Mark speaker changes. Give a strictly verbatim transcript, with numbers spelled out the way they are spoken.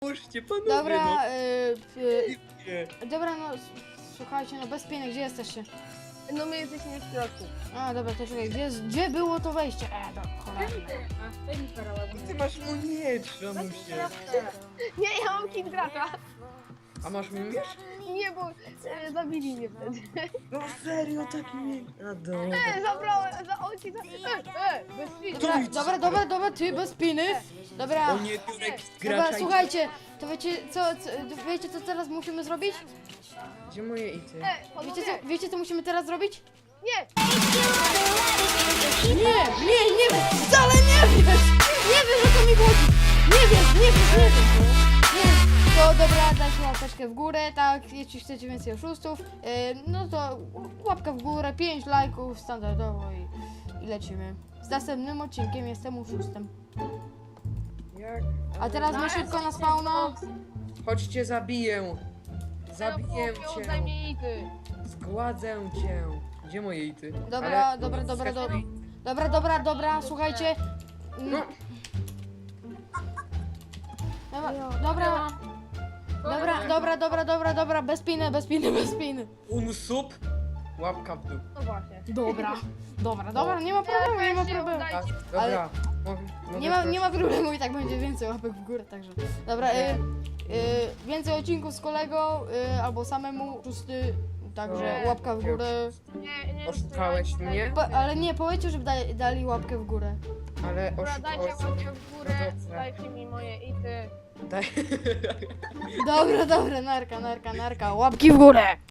Speaker 1: Pomóżcie, panowie,
Speaker 2: Dobra,
Speaker 1: no.
Speaker 2: y, y,
Speaker 1: Nie.
Speaker 2: dobra, no s- słuchajcie, no bez pieniędzy, gdzie jesteście?
Speaker 3: No my jesteśmy w środku.
Speaker 2: A, dobra, to czekaj, gdzie, gdzie było to wejście? E, do cholera.
Speaker 3: A, daj mi parę
Speaker 1: Ty masz mu miecz, Ramusie.
Speaker 3: Nie, ja mam kit gracza.
Speaker 1: A masz mu miecz?
Speaker 3: Nie, bo e, zabili mnie wtedy.
Speaker 1: No serio, taki miecz. A dobra.
Speaker 3: E, zabrałem, za oczy, za... E, e, bez świtu.
Speaker 2: Dobra,
Speaker 1: idź.
Speaker 2: dobra, dobra, dobra, ty bez piny. Dobra,
Speaker 1: O nie, Turek z
Speaker 2: dobra,
Speaker 1: gracza.
Speaker 2: słuchajcie, to wiecie co, co, wiecie co teraz musimy zrobić?
Speaker 1: Gdzie moje ity?
Speaker 3: E,
Speaker 2: Wiecie
Speaker 3: panowie,
Speaker 2: co, wiecie co musimy teraz zrobić?
Speaker 3: nie.
Speaker 2: Nie, nie, nie wiesz, wcale nie wiesz! Nie wiesz, o co mi chodzi! Nie wiesz, nie wiesz, nie wiesz! Nie, to dobra, dajcie łapeczkę w górę, tak, jeśli chcecie więcej oszustów, yy, no to łapka w górę, pięć lajków standardowo i, i lecimy. Z następnym odcinkiem jestem oszustem.
Speaker 1: Jak?
Speaker 2: A teraz my szybko na spawna.
Speaker 1: Chodźcie, zabiję. Zabiję
Speaker 3: Oddaj
Speaker 1: cię.
Speaker 3: mi ity.
Speaker 1: Zgładzę cię. Gdzie moje ity?
Speaker 2: Dobra,
Speaker 1: Ale-
Speaker 2: dobra, dobra, dobra. Dobra, dobra, dobra, słuchajcie.
Speaker 1: No,
Speaker 2: Dobra, dobra, dobra, dobra, dobra, dobra, dobra, bez piny, bez piny, bez piny.
Speaker 1: unsub. Łapka w dół.
Speaker 3: No właśnie.
Speaker 2: Dobra, dobra, dobra, nie ma problemu, nie ma problemu.
Speaker 1: Tak,
Speaker 2: Ale-
Speaker 1: dobra. Mogę- mogę
Speaker 2: Nie ma, nie
Speaker 1: prosić?
Speaker 2: ma problemu i tak będzie więcej łapek w górę, także. Dobra, y, y, więcej odcinków z kolegą y, albo samemu, szósty, także
Speaker 1: No.
Speaker 2: łapka w górę.
Speaker 3: Nie, nie.
Speaker 1: Oszukałeś mnie?
Speaker 2: Po, ale nie, powiedzcie, żeby dali, dali łapkę w górę.
Speaker 1: Ale
Speaker 3: Dobra, dajcie
Speaker 1: oszukałeś
Speaker 3: łapkę
Speaker 1: mnie.
Speaker 3: w górę,
Speaker 1: No dobrze.
Speaker 3: dajcie mi moje ity.
Speaker 1: Daj.
Speaker 2: Dobra, dobra, narka, narka, narka, łapki w górę.